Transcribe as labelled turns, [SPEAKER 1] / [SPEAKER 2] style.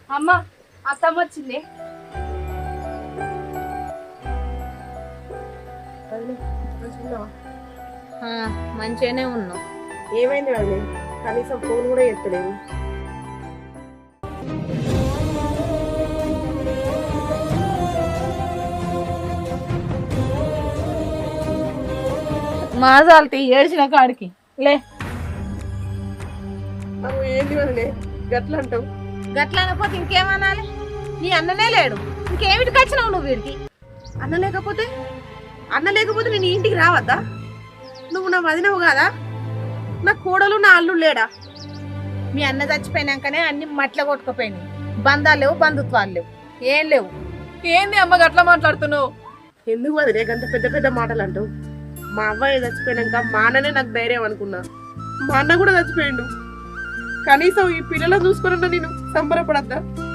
[SPEAKER 1] అమ్మ అత్తమ్మ వచ్చింది.
[SPEAKER 2] మంచిగానే ఉన్నావు.
[SPEAKER 3] ఏమైంది వాళ్ళు కనీసం ఫోన్ కూడా ఎత్తలేదు.
[SPEAKER 2] మాజాలతి ఏడ్చిన కాడికి లే.
[SPEAKER 3] నువ్వు ఏంది వదిలే గట్ల అంటావు?
[SPEAKER 2] గట్ల అనకపోతే ఇంకేమనాలి? నీ అన్ననే లేడు, ఇంకేమిటికి వచ్చినావు నువ్వు వీడికి?
[SPEAKER 3] అన్న లేకపోతే నేను ఈ ఇంటికి రావద్దా? నువ్వు నా వదినవు కాదా? నా కోడలు నా అల్లుడు లేడా?
[SPEAKER 2] మీ అన్న చచ్చిపోయినాకనే అన్ని మట్ల కొట్టుకుపోయినాయి. బంధాలు లేవు, బంధుత్వాలు లేవు, ఏం లేవు.
[SPEAKER 1] ఏంది అమ్మ గట్లా మాట్లాడుతున్నావు?
[SPEAKER 3] ఎందుకు వదిలే గంత పెద్ద పెద్ద మాటలు అంటావు? మా అవ్వయ్య చచ్చిపోయినాక మా అన్ననే నాకు ధైర్యం అనుకున్నా. మా అన్న కూడా చచ్చిపోయిండు. కనీసం ఈ పిల్లలను చూసుకున్నా నేను సంబరపడద్దా?